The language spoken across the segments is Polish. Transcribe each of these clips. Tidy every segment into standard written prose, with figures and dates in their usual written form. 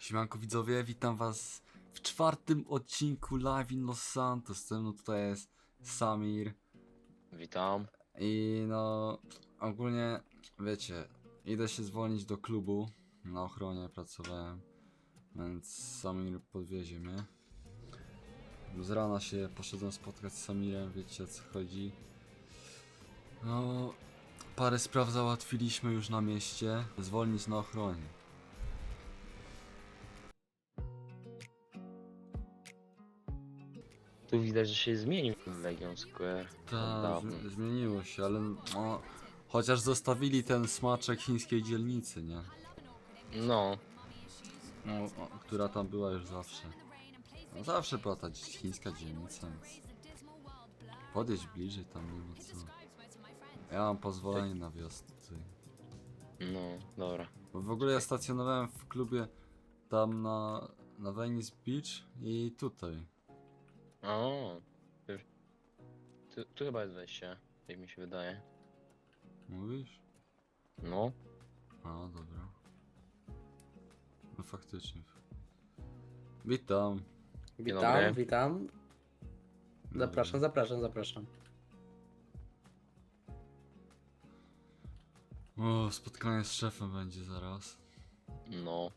Siemanko widzowie, witam was w czwartym odcinku Live in Los Santos. Ze mną tutaj jest Samir. Witam. I no, ogólnie, wiecie, idę się zwolnić do klubu. Na ochronie pracowałem, więc Samir podwiezie mnie. Z rana się poszedłem spotkać z Samirem, wiecie o co chodzi. No, parę spraw załatwiliśmy już na mieście. Zwolnić na ochronie. Tu widać, że się zmienił Legion Square. od Tak, dawna. zmieniło się, ale no, chociaż zostawili ten smaczek chińskiej dzielnicy, nie? No, No, która tam była już zawsze. No, zawsze była ta chińska dzielnica, więc podjedź bliżej, tam nie ma co. Ja mam pozwolenie na wjazd tutaj. no, dobra. Bo w ogóle ja stacjonowałem w klubie tam na Venice Beach i tutaj. O, tu chyba jest wejście, jak mi się wydaje. Mówisz? No, A, dobra. No faktycznie. Witam. dobry. Witam. Zapraszam, zapraszam, zapraszam. O, spotkanie z szefem będzie zaraz. No,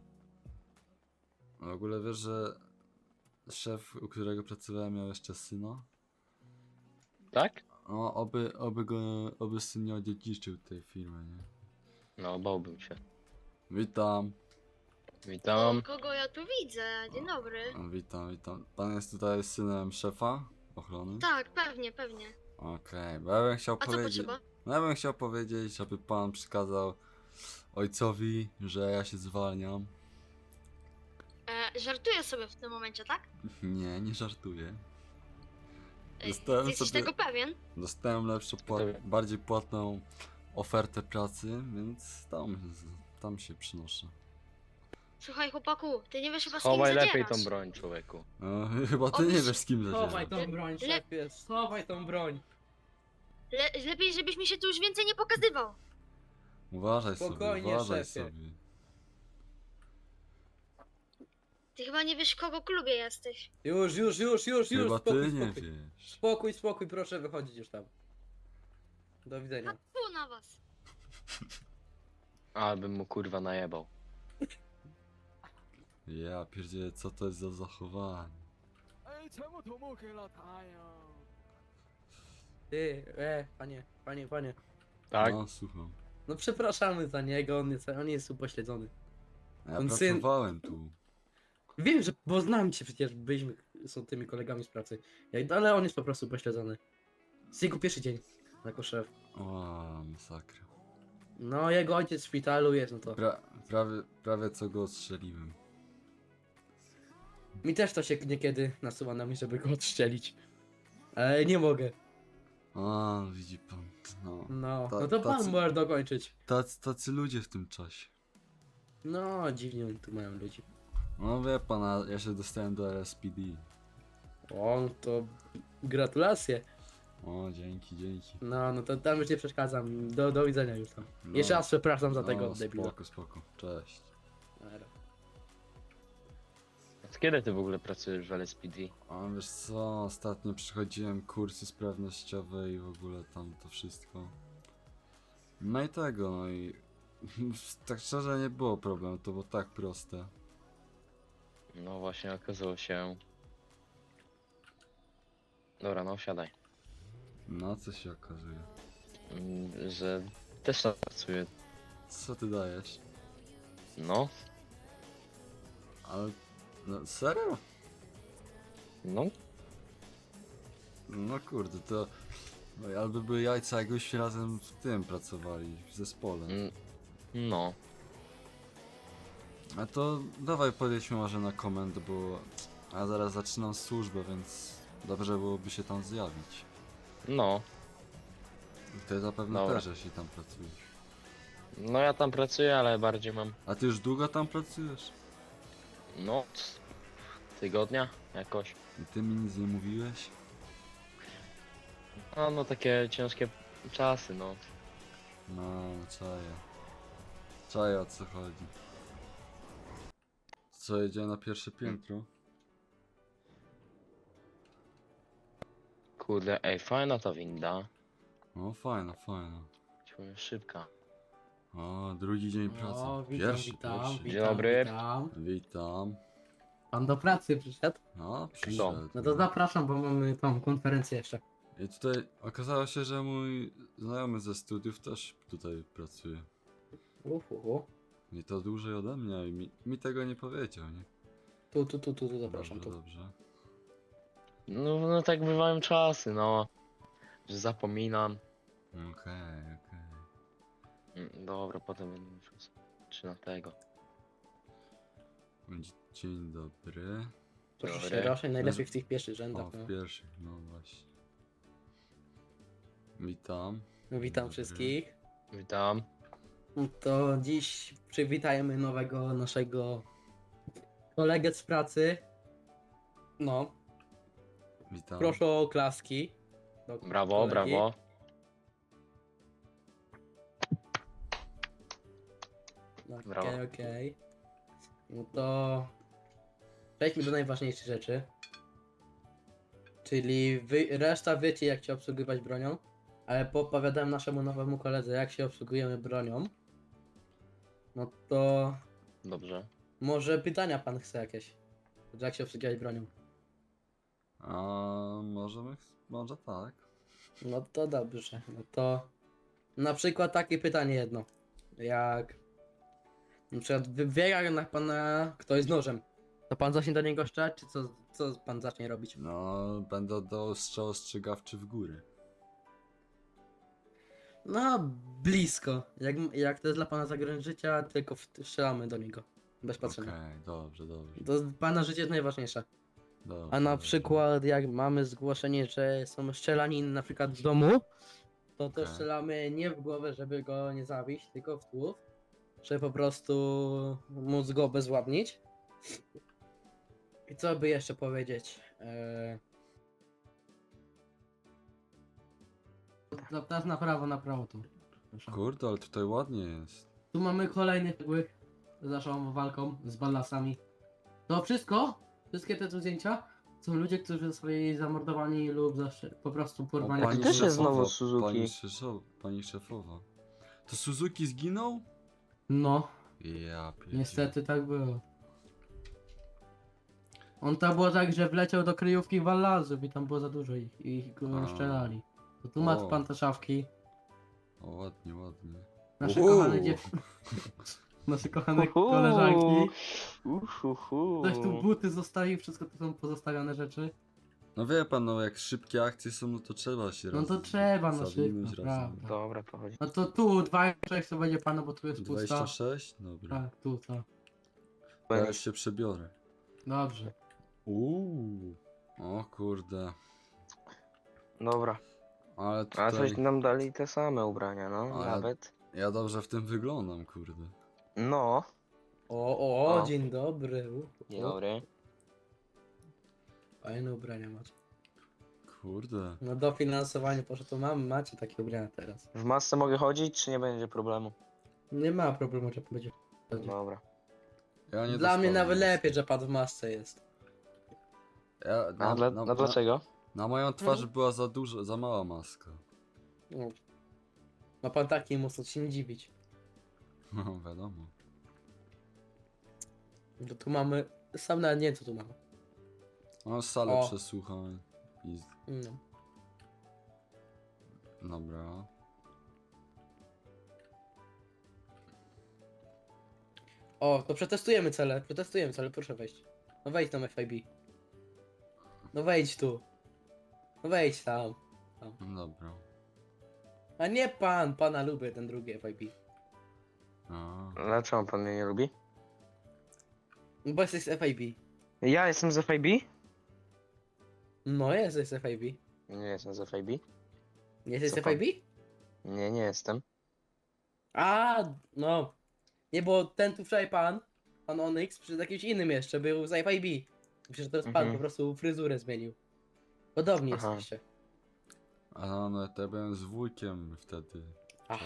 W ogóle wiesz, że szef, u którego pracowałem, miał jeszcze syna? tak? No, oby syn nie odziedziczył tej firmy, nie? No, bałbym się. Witam. Witam. Kogo ja tu widzę? Dzień dobry. Witam. Pan jest tutaj synem szefa ochrony? Tak, pewnie, pewnie. Okej, bo ja bym chciał A co powiedzieć... potrzeba? No ja bym chciał powiedzieć, żeby pan przekazał ojcowi, że ja się zwalniam. Żartuję sobie w tym momencie, tak? Nie żartuję. Ty Dostałem jesteś sobie... tego pewien? Dostałem lepszą, bardziej płatną ofertę pracy, więc tam się przynoszę. Słuchaj chłopaku, ty nie wiesz chyba z kim Chowaj zadzierasz. lepiej tą broń, człowieku. No, chyba ty Otóż- nie wiesz z kim Schowaj zadzieram. tą broń, szefie, schowaj tą broń. Lepiej, żebyś mi się tu już więcej nie pokazywał. Uważaj sobie, Spokojnie, uważaj szefie. sobie. Ty chyba nie wiesz w kogo klubie jesteś. Już, Chyba spokój, ty nie spokój. wiesz. Spokój, proszę wychodzić już tam. Do widzenia. Fu na was. Ale bym mu kurwa najebał. Ja pierdzielę, co to jest za zachowanie? 哎，全部头目给了他呀！ Ty, panie. Tak? No, słucham. No przepraszamy za niego, on jest upośledzony. Ja On pracowałem tu. Wiem, że, bo znam cię przecież, są tymi kolegami z pracy. Ale on jest po prostu upośledzony. Jest jego pierwszy dzień jako szef. O, masakra. No, jego ojciec w szpitalu jest, no to. Prawie co go odstrzeliłem. Mi też to się niekiedy nasuwa na mnie, żeby go odstrzelić. Ale nie mogę. A, widzi pan. No. No, Ta- no to pan tacy- może dokończyć. Tacy ludzie w tym czasie. No, dziwnie oni tu mają ludzi. No wie pan, a ja się dostałem do RSPD. O, to gratulacje. O, dzięki. No to tam już nie przeszkadzam. Do widzenia już tam. No, Jeszcze raz przepraszam za tego no, debila. Spoko. Cześć. Dobra. Od kiedy ty w ogóle pracujesz w LSPD? A wiesz co, ostatnio przechodziłem kursy sprawnościowe i w ogóle tam to wszystko. No i tego, no i tak szczerze nie było problemu, to było tak proste. No właśnie, okazało się... Dobra, no siadaj. No co się okazuje? Że też tam pracuję. Co ty dajesz? No, Ale, no serio? no, No kurde, to no, albo były jajca, jakbyśmy razem w tym pracowali, w zespole. no. A to dawaj podjedźmy może na komendę, bo ja zaraz zaczynam służbę, więc dobrze byłoby się tam zjawić. No, Ty zapewne Dobra. też, jeśli tam pracujesz. no ja tam pracuję, ale bardziej mam, A ty już długo tam pracujesz? no, tygodnia jakoś. I ty mi nic nie mówiłeś? No takie ciężkie czasy, no. No, czaję. Czaję o co chodzi. Co, jedzie na pierwsze piętro? Kurde, ej, fajna ta winda. O, fajna, fajna. Ciągle szybka. O, drugi dzień pracy. O, witam, Pierwszy, witam, pierwszy. witam, Dzień dobry. witam. Witam. Pan do pracy przyszedł? No, przyszedł. No to zapraszam, bo mamy tą konferencję jeszcze. I tutaj okazało się, że mój znajomy ze studiów też tutaj pracuje. Uhu. I to dłużej ode mnie i mi tego nie powiedział, nie? Tu, zapraszam, Dobrze, tu. dobrze. No tak bywają czasy, no. Że zapominam. Okej. Dobra, potem będę musiał. Czy na tego. Dzień dobry. Proszę się Dobry. raczej najlepiej w tych pierwszych rzędach. O, No. w pierwszych, no właśnie. Witam. Witam Dobry. wszystkich. Witam. To dziś przywitajmy nowego naszego kolegę z pracy. No, Witam. proszę o oklaski. Do Brawo, kolegi. brawo. Brawo. Okej. No to przejdźmy do najważniejszych rzeczy. Czyli reszta wiecie, jak się obsługiwać bronią, ale poopowiadałem naszemu nowemu koledze, jak się obsługujemy bronią. No to Dobrze. może pytania pan chce jakieś? Jak się obsługiwać bronią? A może tak. No to dobrze. No to na przykład takie pytanie jedno. Jak na przykład wybiega na pana ktoś z nożem. To pan zacznie do niego strzelać, czy co pan zacznie robić? No, będę do strzał ostrzegawczy w góry. No, blisko. Jak to jest dla pana zagrożenie życia, tylko strzelamy do niego. Bez Okej, patrzenia. dobrze. To pana życie jest najważniejsze. Dobrze, A na dobrze. przykład jak mamy zgłoszenie, że są strzelaniny na przykład w domu, to też Okej. strzelamy nie w głowę, żeby go nie zabić, tylko w tłów. Żeby po prostu móc go obezwładnić. I co by jeszcze powiedzieć? Teraz na prawo tu. Proszę. Kurde, ale tutaj ładnie jest. Tu mamy kolejny cegły z naszą walką z ballasami. To wszystko, wszystkie te tu zdjęcia są ludzie, którzy zostali zamordowani lub po prostu porwani. pani też jest szefowa, znowu Suzuki. Pani szefowa. To Suzuki zginął? No, Ja pierdzielę. niestety tak było. On tam było tak, że wleciał do kryjówki Wallazów i tam było za dużo ich i go A. strzelali. To tu masz O. pan te szafki. O, ładnie. Nasze Uhu. kochane nasze kochane koleżanki. Ktoś tu buty zostawił, wszystko to są pozostawione rzeczy. No wie pan, no jak szybkie akcje są, no to trzeba się No to razem trzeba, no zawinąć szybko, razem. prawda. Dobra, to chodzi. No to tu 26 to będzie pana, bo tu jest pusta. 26? Dobra. Tak, tu to. Ja już się przebiorę. Dobrze. O kurde. Dobra. Ale A tutaj... coś nam dali te same ubrania, no, Ale- nawet. Ja dobrze w tym wyglądam, kurde. No. O. Dzień dobry. Dzień dobry. Fajne ubrania macie. Kurde. No dofinansowanie poszło, to macie takie ubrania teraz. W masce mogę chodzić, czy nie będzie problemu? Nie ma problemu, że będzie. Dobra. Ja nie Dla mnie dostałem nawet nic. lepiej, że pan w masce jest. Ja, A dlaczego? Na moją twarz była za mała maska. No. Ma pan taki mocno się nie dziwić. No wiadomo. To tu mamy. Sam nawet nie wiem co tu mamy. No salę O. przesłuchań. I... No. Dobra. O, to przetestujemy cele, proszę wejść. No wejdź tam FIB. No wejdź tu. No wejdź tam. Dobra. A nie pan, pana lubię, ten drugi FIB. A. Dlaczego pan mnie nie lubi? Bo jesteś z FIB. Ja jestem z FIB? No jesteś z FIB. Nie jestem z FIB. Nie jesteś Co z pan? FIB? Nie jestem. A, no. Nie, bo ten tu wczoraj pan Onyx, przy jakimś innym jeszcze, był z FIB. Myślę, że to jest pan, Mhm. po prostu fryzurę zmienił. Podobni Aha. jesteście. A no to ja byłem z wujkiem wtedy.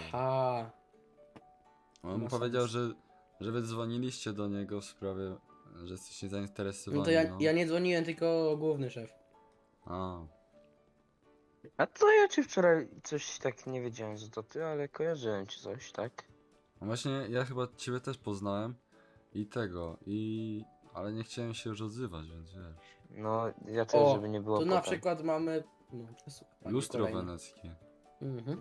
Aha. On Ma powiedział, sens. że wy dzwoniliście do niego w sprawie Że jesteście zainteresowani, No to ja nie dzwoniłem, tylko główny szef. A, A to ja ci wczoraj coś tak nie wiedziałem, że to ty, ale kojarzyłem ci coś, tak? no właśnie ja chyba ciebie też poznałem i tego, ale nie chciałem się już odzywać, więc wiesz. No, ja też, O, żeby nie było tu na potem. przykład mamy... No, słuchaj, Lustro kolejny. weneckie. Mhm.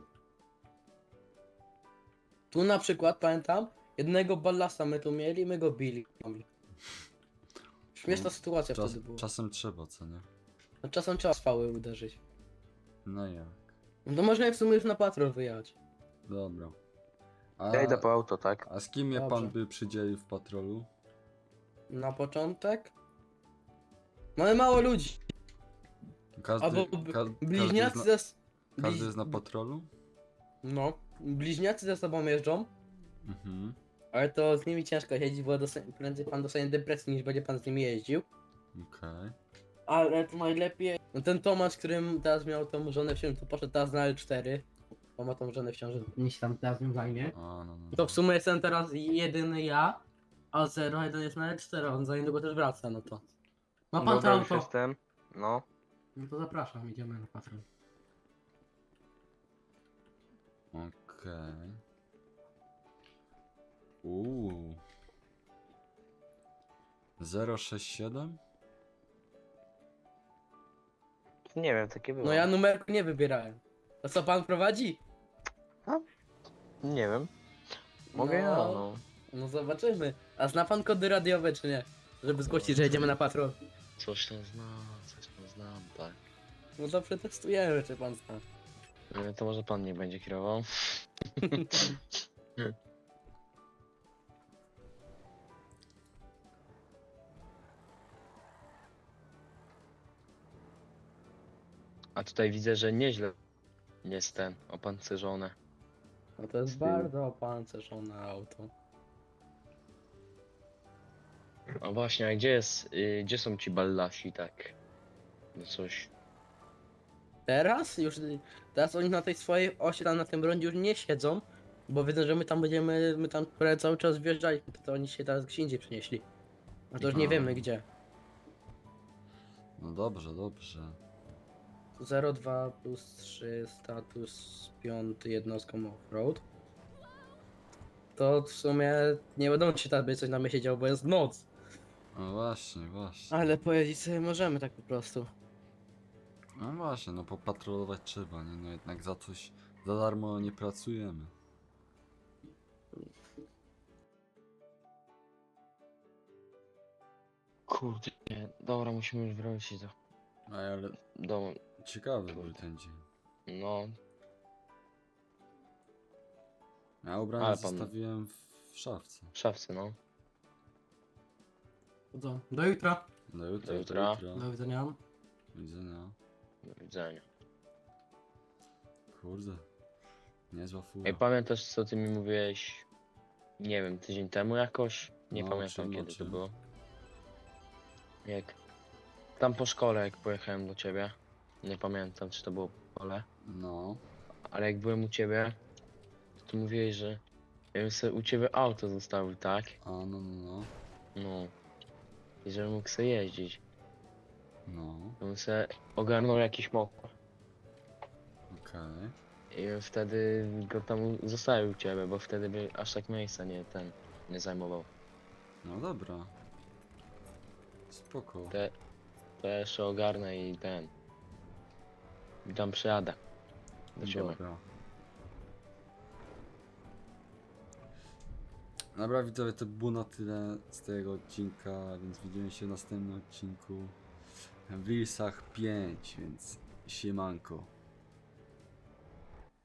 Tu na przykład, pamiętam, jednego ballasta my tu mieli, my go bili. Śmieszna sytuacja wtedy była. Czasem trzeba, co nie? No, czasem trzeba spały uderzyć. No jak? No to można w sumie już na patrol wyjechać. Dobra. Ja idę po auto, tak? A z kim mnie Dobrze. pan by przydzielił w patrolu? Na początek? Mamy mało ludzi. Każdy, Albo bliźniacy każdy, ze... każdy jest na patrolu? No, bliźniacy ze sobą jeżdżą, Mhm. ale to z nimi ciężko siedzieć, bo prędzej pan dostanie depresji niż będzie pan z nimi jeździł. Okej. Ale to najlepiej... No ten Tomasz, którym teraz miał tą żonę w ciąży, to poszedł teraz na L4. Bo ma tą żonę w ciąży, niż tam teraz nią zajmie. A, no. To w sumie jestem teraz jedyny ja, a 0-1 jest na L4, on za niedługo też wraca, no to... Ma pan to Dobra, już auto? jestem. No. No to zapraszam, idziemy na patrol. Okej. Uuu. 067? Nie wiem, takie było. No ja numerku nie wybierałem. To co pan prowadzi? Nie wiem. Mogę ja, no. No zobaczymy. A zna pan kody radiowe czy nie? Żeby zgłosić, że jedziemy na patrol. Coś tam znam, tak. No to przetestujemy, czy pan zna. To może pan nie będzie kierował? A tutaj widzę, że nieźle jest ten opancerzone. No to jest bardzo opancerzone auto. A właśnie, a gdzie są ci ballasi, tak? No coś. Teraz już, teraz oni na tej swojej osi, tam na tym rondzie już nie siedzą, bo wiedzą, że my tam cały czas wjeżdżaliśmy, to oni się teraz gdzie indziej przenieśli. A to już nie A. wiemy gdzie. No dobrze, dobrze. 02 plus 3 status 5 jednostką offroad. To w sumie nie będą się tam coś na mnie siedział, bo jest noc. No właśnie, właśnie. Ale pojeździć sobie możemy tak po prostu. No właśnie, no popatrolować trzeba, nie? No jednak za coś, za darmo nie pracujemy. Kurde, dobra, musimy już wrócić Ale do... ciekawy był ten dzień. No, Ja ubrania Ale pan- zostawiłem w szafce. w szafce, no. To co? Do jutra. Do jutra, Do jutra. Do widzenia. Do widzenia. Do widzenia. Kurde. Niezła fura. Ej, pamiętasz co ty mi mówiłeś, nie wiem, tydzień temu jakoś? Nie No, pamiętam czym, kiedy to czym? było. Jak tam po szkole, jak pojechałem do ciebie, nie pamiętam czy to było po szkole, No. ale jak byłem u ciebie, to mówiłeś, że ja bym sobie u ciebie auto zostawił, tak? A, no, no, no. No. I żebym mógł sobie jeździć. No. To bym sobie ogarnął jakiś mokro. Okej. I bym wtedy go tam zostawił u ciebie, bo wtedy by aż tak miejsca nie zajmował. No dobra. Spoko. To ja jeszcze ogarnę i i tam przyjadę do ciebie. Dobra. Dobra widzowie, to było na tyle z tego odcinka, więc widzimy się w następnym odcinku w Reelsach 5, więc siemanko.